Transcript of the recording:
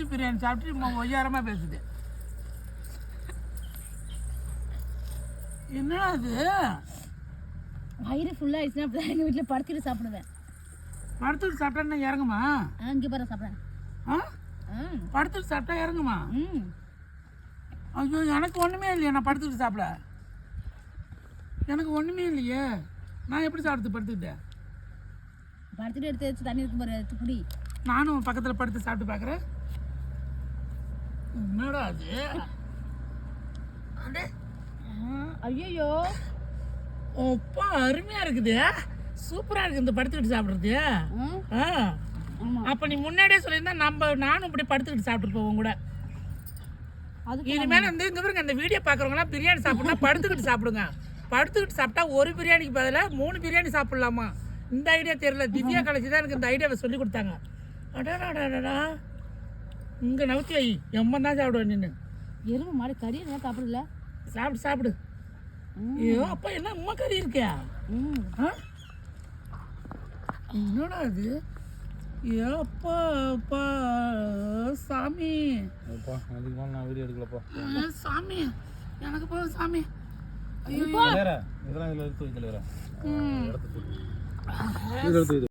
பிரியாணி சாப்பிட்டு ஒய்யாரமாக பேசுது. என்னடா அது? வயிறு ஃபுல்லாக ஆயிடுச்சுன்னா அப்படி எங்கள் வீட்டில் படுத்துட்டு சாப்பிடுவேன். படுத்துட்டு சாப்பிட்டா இறங்குமா? இங்கே பாரு சாப்பிட்றேன். படுத்துட்டு சாப்பிட்டா இறங்குமா? ஐயோ எனக்கு ஒன்றுமே இல்லையே. நான் படுத்துக்கிட்டு சாப்பிட எனக்கு ஒன்றுமே இல்லையே. நான் எப்படி சாப்பிடுது படுத்துக்கிட்டேன்? படுத்துட்டு எடுத்து வச்சு தண்ணி இருக்கும் பாரு, எடுத்து குடி. நானும் பக்கத்தில் படுத்து சாப்பிட்டு பார்க்குறேன். என்னடா அது? ஐயோ அப்பா அருமையாக இருக்குது, சூப்பராக இருக்குது இந்த படுத்துக்கிட்டு சாப்பிட்றது. அப்போ நீ முன்னாடியே சொல்லியிருந்தா நானும் இப்படி படுத்துக்கிட்டு சாப்பிட்டு போவோம் கூட. இனிமேல் வந்து இங்கே பாருங்க, இந்த வீடியோ பார்க்குறவங்களாம் பிரியாணி சாப்பிட்னா படுத்துக்கிட்டு சாப்பிடுங்க. படுத்துக்கிட்டு சாப்பிட்டா ஒரு பிரியாணிக்கு பதிலாக 3 பிரியாணி சாப்பிட்லாமா? இந்த ஐடியா தெரியல. திவ்யா கலைச்சி தான் எனக்கு இந்த ஐடியாவை சொல்லி கொடுத்தாங்க. அடாடாடாடா, இங்கே நவுத்தி வை, எம்மன் தான் சாப்பிடுவேன். நின்று எருமை மாடு கறி என்ன சாப்பிடல? சாப்பிடு சாப்பிடு. ஐயோ அப்பா, என்ன அம்மா கறி இருக்கியா? என்னடா அது? ஐயோ அப்பா அப்பா சாமி, நான் வீடியோ எடுக்கலப்பா சாமி, எனக்கு போதும் சாமி. ஐயோ இதெல்லாம் இதில் எடுத்து வைக்கல.